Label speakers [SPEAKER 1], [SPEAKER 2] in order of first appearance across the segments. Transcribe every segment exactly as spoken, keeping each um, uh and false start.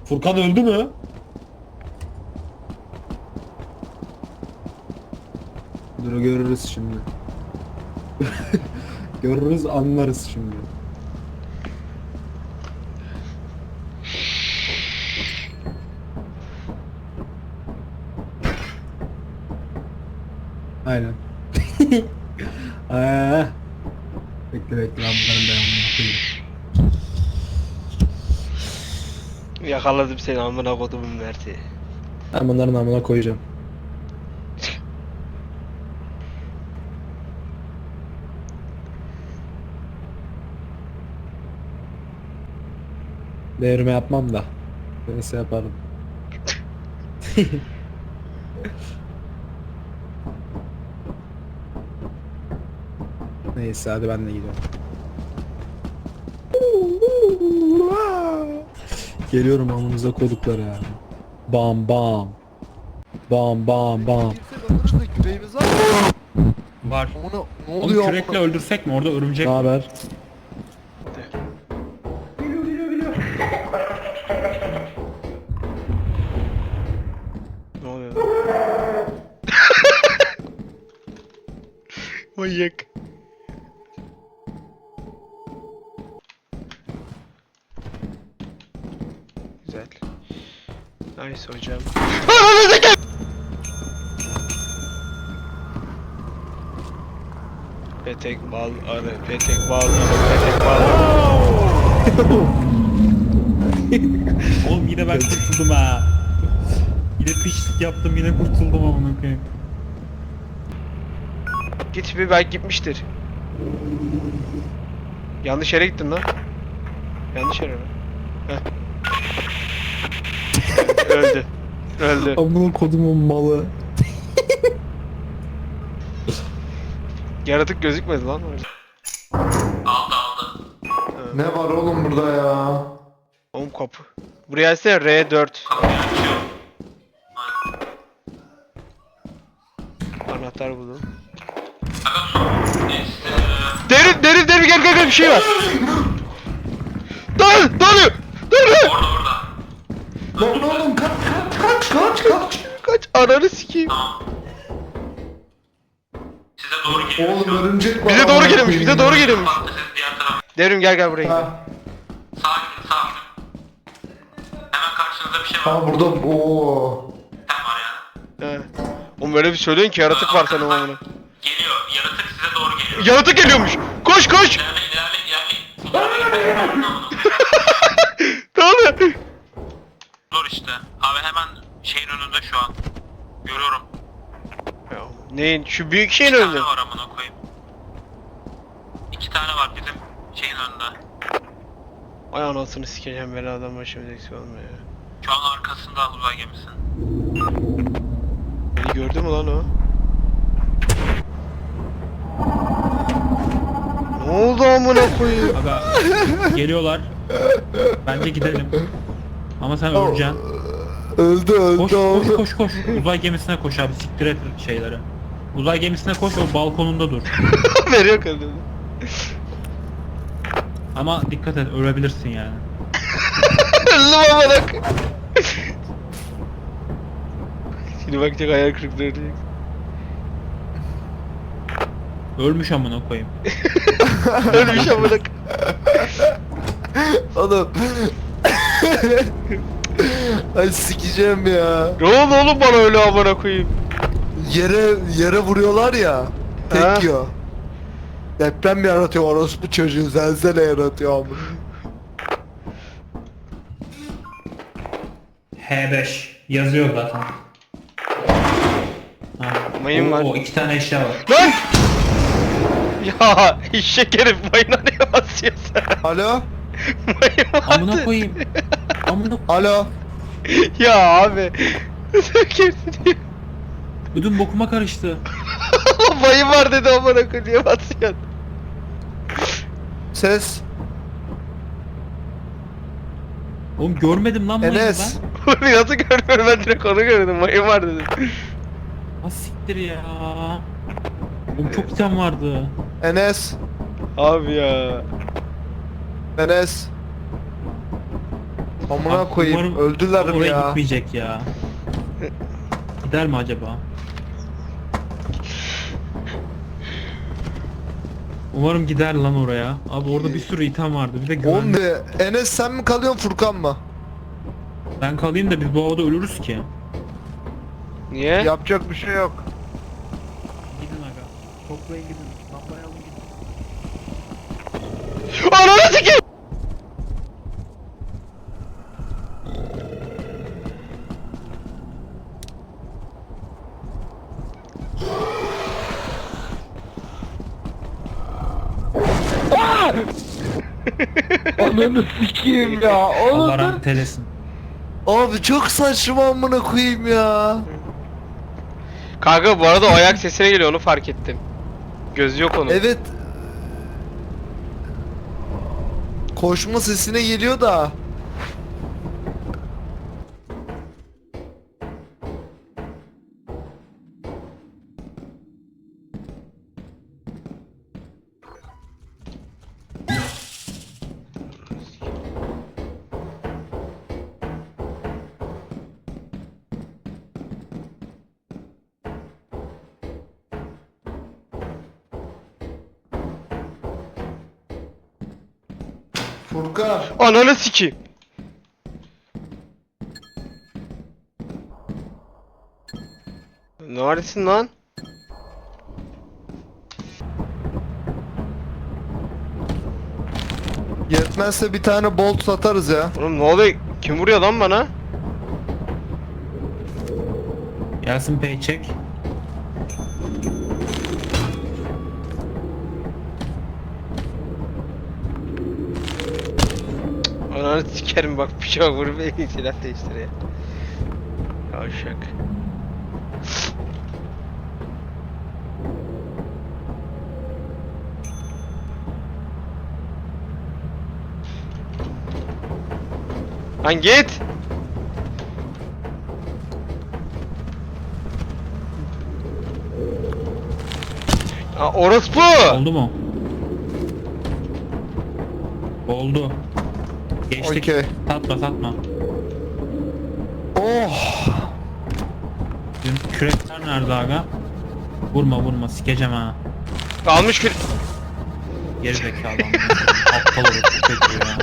[SPEAKER 1] Furkan öldü mü? Dur görürüz şimdi. Görürüz anlarız şimdi. Aynen. Aa, bekle bekle ben bunların devamını yapayım.
[SPEAKER 2] Yakaladım seni amına kodumun Mert'i.
[SPEAKER 1] Ben bunların amına koyacağım. Değerime yapmam da. Neyse yaparım. Neyse hadi ben de gidiyorum. Geliyorum amınıza kodukları ya. Bam bam. Bam bam bam.
[SPEAKER 3] Kimse de yüreğimiz var mı?
[SPEAKER 4] Var.
[SPEAKER 3] Ona ne
[SPEAKER 4] Onu
[SPEAKER 3] oluyor?
[SPEAKER 4] kürekle öldürsek mi? Orada örümcek
[SPEAKER 1] Ne
[SPEAKER 4] var.
[SPEAKER 1] haber?
[SPEAKER 2] Ne oluyor? Manyak. Güzel. Nice hocam. Petek bal arı, petek bal arı, petek bal arı.
[SPEAKER 4] Oğlum yine ben kurtuldum ha. Yine pişlik yaptım, yine kurtuldum amına koyayım.
[SPEAKER 2] Git bir belki gitmiştir. Yanlış yere gittin lan. Yanlış yere mi? Heh. Öldü. Öldü.
[SPEAKER 1] Amına kodumun malı.
[SPEAKER 2] Yaratık gözükmedi lan orada.
[SPEAKER 3] Ne var oğlum burada ya?
[SPEAKER 2] Oğlum kapı. Buraya ise R dört. Anahtar buldum. Derin derin derin gel gel gel bir şey var. Dön dön dön.
[SPEAKER 3] Lan oğlum kaç kaç kaç kaç kaç.
[SPEAKER 2] Kaç ananı sikeyim.
[SPEAKER 5] Size doğru geliyor.
[SPEAKER 3] Oğlum örümcek var.
[SPEAKER 2] Bize doğru
[SPEAKER 3] amına
[SPEAKER 2] geliyormuş bize
[SPEAKER 3] koyayım
[SPEAKER 2] doğru
[SPEAKER 3] ya.
[SPEAKER 2] geliyormuş.
[SPEAKER 5] Siz diğer tarafa.
[SPEAKER 2] Devrim gel gel buraya gel.
[SPEAKER 3] Ha,
[SPEAKER 5] Sağa gidin sağa gidin. Hemen karşınızda bir şey var.
[SPEAKER 3] ha burada ooo.
[SPEAKER 5] Sen var yani.
[SPEAKER 2] He. Oğlum böyle bir söyleyin ki yaratık var senin amına.
[SPEAKER 5] Geliyor. Yaratık size doğru geliyor.
[SPEAKER 2] Yaratık geliyormuş. Koş koş.
[SPEAKER 5] İlerleyin ilerleyin ilerleyin.
[SPEAKER 2] Ne oluyor?
[SPEAKER 5] Dur işte. Abi hemen şeyin önünde şu an. Görüyorum.
[SPEAKER 2] Ya, neyin? Şu büyük şeyin
[SPEAKER 5] İki
[SPEAKER 2] önünde.
[SPEAKER 5] tane var amına koyayım. İki tane var bizim şeyin önünde.
[SPEAKER 2] Ay anasını sikeceğim beladan başımıza eksik olmuyor ya.
[SPEAKER 5] Şu an arkasında uzay gemisinin.
[SPEAKER 2] Beni gördü mü lan o? Ne oldu amına koyayım?
[SPEAKER 4] Aga geliyorlar. Bence gidelim. Ama sen öleceksin.
[SPEAKER 3] Öldü öldü
[SPEAKER 4] Koş
[SPEAKER 3] oğlum.
[SPEAKER 4] koş koş koş. Uzay gemisine koş abi, siktir et şeyleri. Uzay gemisine koş, o balkonunda dur.
[SPEAKER 2] Veriyor kadını.
[SPEAKER 4] Ama dikkat et, ölebilirsin yani.
[SPEAKER 2] Öldüm amına koyayım. Şimdi bakacak hayal kırıklığı diyecek.
[SPEAKER 4] Ölmüş amına koyayım.
[SPEAKER 2] Ölmüş amına koyayım.
[SPEAKER 3] Oğlum. Ay sikeceğim ya.
[SPEAKER 2] Ne oldu oğlum bana öyle amına koyayım?
[SPEAKER 3] Yere yere vuruyorlar ya.
[SPEAKER 2] Ha.
[SPEAKER 3] Tek yiyor. Deprem yaratıyor orospu çocuğu, zelzele yaratıyor amına.
[SPEAKER 4] H beş yazıyor zaten. Ha.
[SPEAKER 2] Mayın
[SPEAKER 4] o,
[SPEAKER 2] var.
[SPEAKER 4] O iki tane eşya var.
[SPEAKER 2] Lan! Ya eşek herif mayına ne basıyorsun?
[SPEAKER 3] Alo?
[SPEAKER 2] Mayın var.
[SPEAKER 4] Amına koyayım. Amına
[SPEAKER 3] Alo?
[SPEAKER 2] Ya abi. Sökersin ya.
[SPEAKER 4] ödüm bokuma karıştı.
[SPEAKER 2] Mayın var dedi amına koyayım niye basıyorsun?
[SPEAKER 3] Ses?
[SPEAKER 4] Oğlum görmedim lan mayını
[SPEAKER 3] Enes?
[SPEAKER 4] ben.
[SPEAKER 2] Oğlum nasıl görmüyorum ben direkt onu gördüm mayın var dedim.
[SPEAKER 4] Ha siktir ya. Oğlum çok item vardı.
[SPEAKER 3] Enes?
[SPEAKER 2] Abi ya.
[SPEAKER 3] Enes? Amına
[SPEAKER 4] Abi,
[SPEAKER 3] koyayım
[SPEAKER 4] umarım
[SPEAKER 3] öldüler mi
[SPEAKER 4] oraya
[SPEAKER 3] ya?
[SPEAKER 4] gitmeyecek ya. Gider mi acaba? Umarım gider lan oraya. Abi orada bir sürü item vardı. Bir de
[SPEAKER 3] Oğlum
[SPEAKER 4] güvenli.
[SPEAKER 3] be, Enes sen mi kalıyorsun Furkan mı?
[SPEAKER 4] Ben kalayım da biz bu havada ölürüz ki.
[SPEAKER 2] Niye?
[SPEAKER 3] Yapacak bir şey yok.
[SPEAKER 4] Gidin aga. Toplayın gidin. Lambayı alın gidin.
[SPEAKER 2] Ananı sikeyim!
[SPEAKER 3] Ananı sikeyim ya.
[SPEAKER 4] Allah
[SPEAKER 3] Oğlum
[SPEAKER 4] rahmet eylesin.
[SPEAKER 3] abi çok saçma amına koyayım ya.
[SPEAKER 2] Kanka bu arada o ayak sesine geliyor, onu fark ettim. Gözü yok onun.
[SPEAKER 3] Evet. Koşma sesine geliyor da. Furkan.
[SPEAKER 2] Ananı sikeyim. Neredesin lan?
[SPEAKER 3] Yetmezse bir tane bolt satarız ya.
[SPEAKER 2] Oğlum ne oluyor? Kim vuruyor lan bana?
[SPEAKER 4] Gelsin paycheck.
[SPEAKER 2] Ananı sikerim bak, bir şey bak, vurup silah değiştir ya. Yavşak. Lan git! Aa, orospu!
[SPEAKER 4] Oldu mu? Oldu. Geçtik.
[SPEAKER 3] Okey.
[SPEAKER 4] Satma satma.
[SPEAKER 3] Oh.
[SPEAKER 4] Bizim kürekler nerede aga? Vurma vurma sikeceğim ha.
[SPEAKER 2] Almış kür...
[SPEAKER 4] Geri zekalı amına. Aptal olur çocuğu ya.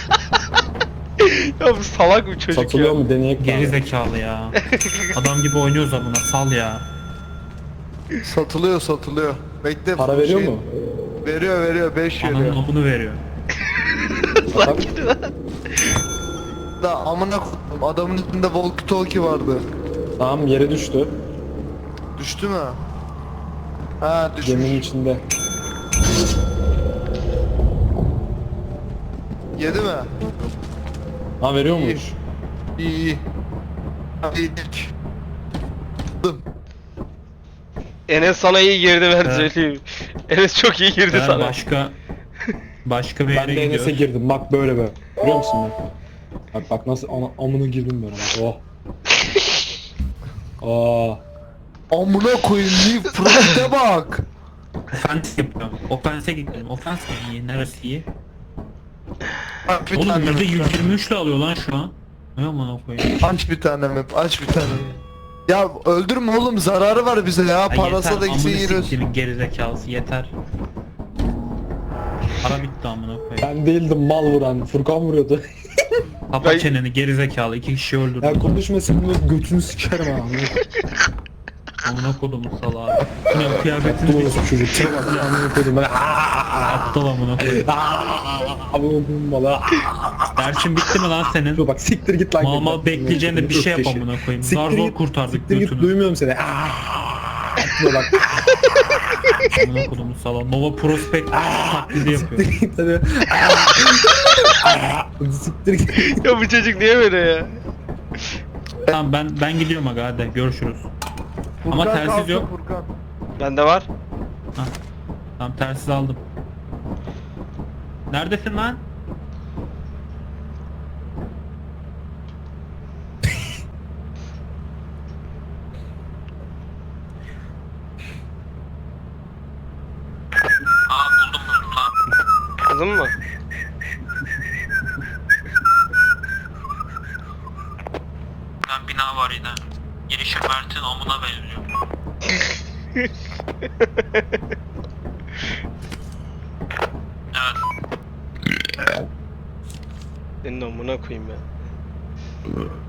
[SPEAKER 2] Ya bu salak bir çocuk
[SPEAKER 1] Satılıyor
[SPEAKER 2] ya.
[SPEAKER 1] mu deneyek
[SPEAKER 4] Geri
[SPEAKER 1] bari.
[SPEAKER 4] zekalı ya. Adam gibi oynuyoruz amına, sal ya.
[SPEAKER 3] Satılıyor satılıyor. Bekle.
[SPEAKER 1] Para
[SPEAKER 3] bu
[SPEAKER 1] veriyor
[SPEAKER 3] şey-
[SPEAKER 1] mu?
[SPEAKER 3] Veriyor veriyor beş
[SPEAKER 4] Ananın
[SPEAKER 3] veriyor.
[SPEAKER 4] amını veriyor.
[SPEAKER 2] Sakin lan.
[SPEAKER 3] Da amına koydum adamın üstünde walkie talkie vardı.
[SPEAKER 1] Tamam, yere düştü.
[SPEAKER 3] Düştü mü? Ha düşmüş.
[SPEAKER 1] Geminin içinde.
[SPEAKER 3] Yedi mi?
[SPEAKER 1] Ha, veriyor
[SPEAKER 3] İyi.
[SPEAKER 1] muymuş?
[SPEAKER 3] İyi iyi. Ha, iyiydik. Dım.
[SPEAKER 2] Enes sana iyi girdi, ben
[SPEAKER 4] Evet.
[SPEAKER 2] söyleyeyim. Enes çok iyi girdi
[SPEAKER 4] Ben
[SPEAKER 2] sana.
[SPEAKER 4] başka başka bir
[SPEAKER 1] Ben
[SPEAKER 4] yere
[SPEAKER 1] de Enes'e
[SPEAKER 4] gidiyoruz.
[SPEAKER 1] girdim. Bak böyle böyle. Görüyor musun bak? Bak bak nasıl ana, amına girdim ben. Bak. Oh. Aa.
[SPEAKER 3] Amına koyayım Leaf Frost'e bak.
[SPEAKER 4] Ofens yapıyorum. Ofens'e gittim. Ofens mi iyi? Neresi iyi?
[SPEAKER 3] Aç bir
[SPEAKER 4] Oğlum
[SPEAKER 3] tane
[SPEAKER 4] yüzde
[SPEAKER 3] map.
[SPEAKER 4] yüz yirmi üç ile alıyor lan şu an. Ne amına koyayım?
[SPEAKER 3] Aç bir tane map. Aç bir tane. Ya öldürme oğlum zararı var bize ya.
[SPEAKER 4] Ay
[SPEAKER 3] Parası
[SPEAKER 4] yeter,
[SPEAKER 3] da gitsin
[SPEAKER 4] amını
[SPEAKER 3] yeriz.
[SPEAKER 4] siktimin gerizekalısı yeter. Para bitti amına koyayım.
[SPEAKER 1] Ben değildim mal vuran. Furkan vuruyordu.
[SPEAKER 4] Kapa
[SPEAKER 2] Ben-
[SPEAKER 4] çeneni gerizekalı, iki kişi öldürdü.
[SPEAKER 1] Ya konuşma senin götünü sikerim ha.
[SPEAKER 4] Amına kodumun salağı. Bu ne kıyafetini
[SPEAKER 1] Bu
[SPEAKER 4] bir
[SPEAKER 1] nasıl çocuk? Şuna bak ya, amına koydum ben.
[SPEAKER 4] aptal amına koyayım.
[SPEAKER 1] Amına koydum bana.
[SPEAKER 4] Dersin bitti mi lan senin?
[SPEAKER 1] Dur bak, siktir git lan.
[SPEAKER 4] Mal mal
[SPEAKER 1] git lan.
[SPEAKER 4] bekleyeceğine bir şey yap
[SPEAKER 1] Ökkeşi.
[SPEAKER 4] amına koyayım.
[SPEAKER 1] Siktir
[SPEAKER 4] Zar zor
[SPEAKER 1] git,
[SPEAKER 4] kurtardık
[SPEAKER 1] Siktir git,
[SPEAKER 4] götünü.
[SPEAKER 1] duymuyorum seni. Dur bak.
[SPEAKER 4] Amına kodumun salağı. Nova Prospect taklidi yapıyor.
[SPEAKER 1] Siktir git hadi. Siktir git.
[SPEAKER 2] Ya bu çocuk niye böyle ya?
[SPEAKER 4] Tamam ben ben gidiyorum aga, hadi görüşürüz. Ama
[SPEAKER 3] Furkan
[SPEAKER 4] telsiz
[SPEAKER 3] kalsın,
[SPEAKER 4] yok.
[SPEAKER 3] Furkan.
[SPEAKER 2] Bende var.
[SPEAKER 4] Tamam telsiz aldım. Neredesin lan?
[SPEAKER 5] Aa buldum buldum tamam.
[SPEAKER 2] Kızım mı?
[SPEAKER 5] tane bina var yine. Girişi Mert'in amına benziyor. Evet.
[SPEAKER 2] Senin amına koyayım ben.